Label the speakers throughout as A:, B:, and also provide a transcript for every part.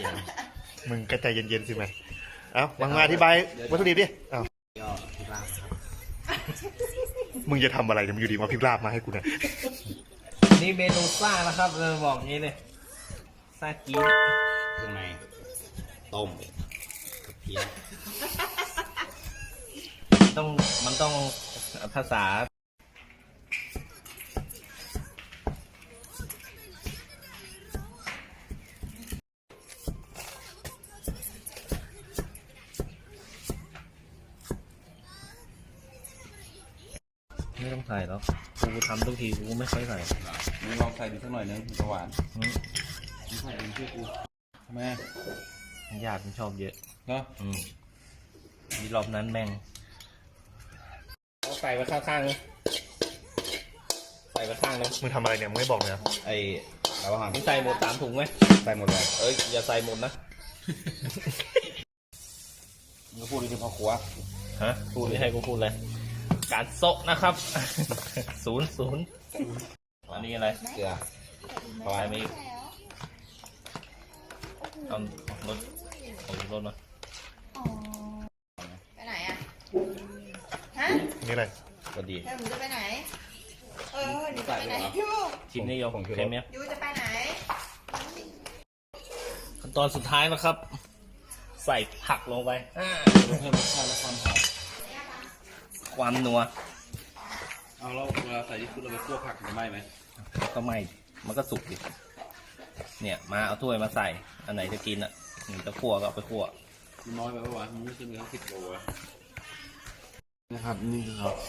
A: ย็น
B: มึงกระใจเย็นๆสิไหมเอ้ามาอธิบายวัตถุดิบดิเอ้า
A: ย่อที่บ้านครับ
B: มึงจะทำอะไรเนี่ยมึงอยู่ดีมาพริกลาบมาให้กูเนี่ย
C: นี่เมนูซ่านะครับเราบอกงี้เลยซ่าจี๊ด
A: ข้างในต้มกระเทียม
C: มันต้องภาษาไม่ต้องใส่แล้วกูทำทุกทีกูไม่ค่อยใส่
D: มึงลองใส่ดูสักหน่อยนึงมันจะหวานมึงใส่เองช่วยกูทำไม
C: ญาติมันชอบเยอะ
D: เนาะ
C: มีรอบนั้นแม่งเอาใส่ไว้ข้างๆเลยใส่ไว้ข้างเลย
B: มึงทำอะไรเนี่ยมึงไม่บอกเลยนะ
C: ไอ้
D: แล้วอาหาร
C: มึงใส่หมด3 ถุงไหม
D: ใส่หมดเลย
C: เอ้ยอย่าใส่หมดนะ
D: มึงก็พูดดีๆพอครัว
C: ฮะพูดไม่ให้กูพูดเลยการโซะนะครับ 0 อันนี้อะไร
D: เกลือ
C: ปลายไม่เอารถเอารถมา
E: ไปไหนอ่ะ ฮะ
B: นี่อะไร
C: ก็ดี
E: แล้วหนูจะไปไหน หนูจะไปไหนยู
C: ชิมนี่โยเค็มเนี่ย
E: ยูจะไปไหน
C: ขั้นตอนสุดท้ายนะครับ ใส่ผักลงไป
D: ลงให้รสชาติและความหอม
C: ความนัว
D: เอาแล้วเวลาใส่ที่คือเราไปคั่วผักจะไหม้ไหม
C: ก็ไม่มันก็สุกดิเนี่ยมาเอาถ้วยมาใส่อันไหนจะกินอ่ะจะคั่วก็เอาไปคั่ว
D: มันน้อยไปปะวะมันไม่ใช่มีทั้ง10 โลวะนะครับนี่คือครับ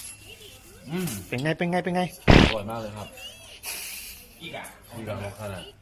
B: เป็นไง
D: อร่อยมากเลยครับ
C: อีกอ่ะ
D: นี่แบบขนาด